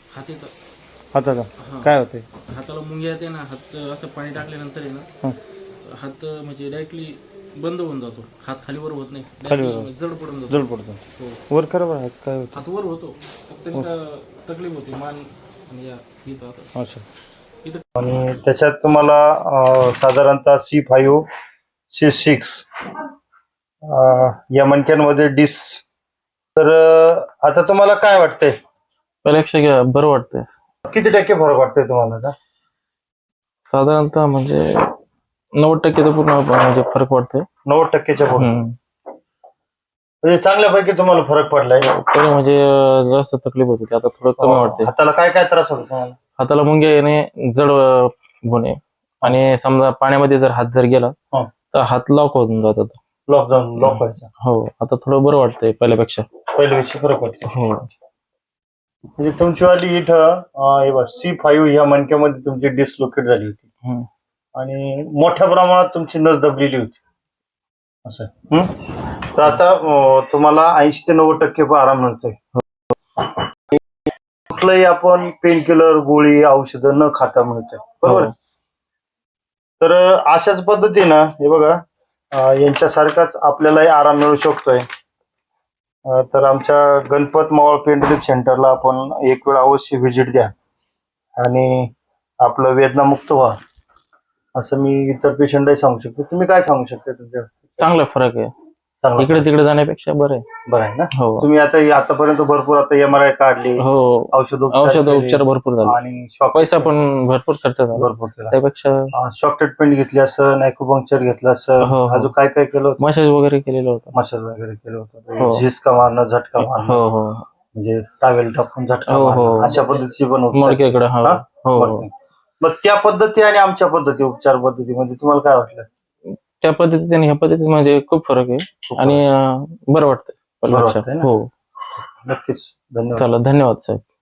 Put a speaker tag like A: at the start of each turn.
A: हातीचा
B: हाताचा
A: हा
B: काय होते?
A: हाताला मुंग्या येते ना, हात असं पाणी टाकल्यानंतर आहे ना,
B: हं.
A: हात म्हणजे डायरेक्टली बंद होऊन जातो, हात खालीवर होत नाही,
B: खाली
A: डायरेक्टली जड पडून जातो.
B: जड पडतो.
A: हो,
B: वर करा बरं, हात काय होते?
A: हात वर होतो, फक्त
B: हो.
A: तकलीफ होती मान आणि या इथं आता
B: अच्छा.
A: इथं.
B: आणि त्याच्यात तुम्हाला साधारणतः C5 C6 या मणक्यांमध्ये डिस. तर आता तुम्हाला काय वाटतंय?
C: पहिल्यापेक्षा बरं वाटतंय.
B: किती टक्के फरक वाटतंय तुम्हाला आता?
C: साधारणतः म्हणजे 90% तर पूर्ण म्हणजे फरक वाटतोय.
B: 90%च्या पुढे.
C: हम्म.
B: म्हणजे चांगल्यापैकी तुम्हाला फरक पडलाय.
C: पहिले म्हणजे जास्त तकलीफ होती, आता थोडं कमी वाटते.
B: हाताला काय काय त्रास होतो तुम्हाला?
C: हाताला मुंग्या येणे, जड होणे, आणि समजा पाण्यामध्ये जर हात जर गेला
B: हा.
C: तर हात लॉक होऊन जातात.
B: लॉक व्हायचा.
C: हो, आता थोडं बरं वाटतंय पहिल्यापेक्षा.
B: पहिल्यापेक्षा फरक वाटतो.
C: हो.
B: म्हणजे तुमचीवाली इथं हे बघ C5 ह्या मणक्यामध्ये तुमची डिसलोकेट झाली होती.
C: हम्म.
B: आणि मोठ्या प्रमाणात तुमची नस दबलेली होती असं. तर आता तुम्हाला 80 ते 90% आराम मिळतोय. कुठलंही आपण पेन किलर, गोळी, औषधं न खाता मिळतोय, बरोबर.
C: हो.
B: तर अशाच पद्धतीनं हे बघा, यांच्यासारखाच आपल्यालाही आराम मिळू शकतोय. तर आमच्या गणपत मावळ पेन रिलीफ सेंटरला आपण एक वेळ अवश्य व्हिजिट द्या आणि आपलं वेदनामुक्त व्हा, असं मी इतर पेशंटही सांगू शकतो. तुम्ही काय सांगू शकता तुमच्या?
C: चांगला फरक आहे,
B: चांगला
C: इकडे तिकडे जाण्यापेक्षा बरं आहे.
B: बरं आहे ना.
C: हो.
B: तुम्ही आतापर्यंत भरपूर आता MRI काढली,
C: हो, औषधोपचार भरपूर झाले,
B: आणि शॉक
C: पैसा पण भरपूर खर्च झाला
B: भरपूर केला.
C: त्यापेक्षा.
B: शॉक ट्रीटमेंट घेतली असं, ॲक्युपंक्चर घेतलं असं,
C: हो, हो.
B: अजून काय काय केलं होतं?
C: मसाज वगैरे केलेलं होतं.
B: मसाज वगैरे केलं होतं.
C: हो.
B: झिसका मारणं, झटका
C: हो,
B: मारणं,
C: हो.
B: म्हणजे टावेल टाकून झटका
C: हो, हो.
B: मारणं, अशा पद्धतीची पण उपचार.
C: मडक्याकडे. हो,
B: हा?
C: हो, हो.
B: मग मग त्या पद्धती आणि आमच्या पद्धती, उपचार पद्धतीमध्ये तुम्हाला काय वाटलं?
C: त्या पद्धतीने आणि ह्या पद्धतीने म्हणजे खूप फरक आहे, आणि बरं वाटतंय
B: बरं वाटतंय ना?
C: हो.
B: नक्कीच. धन्यवाद.
C: चला, धन्यवाद साहेब.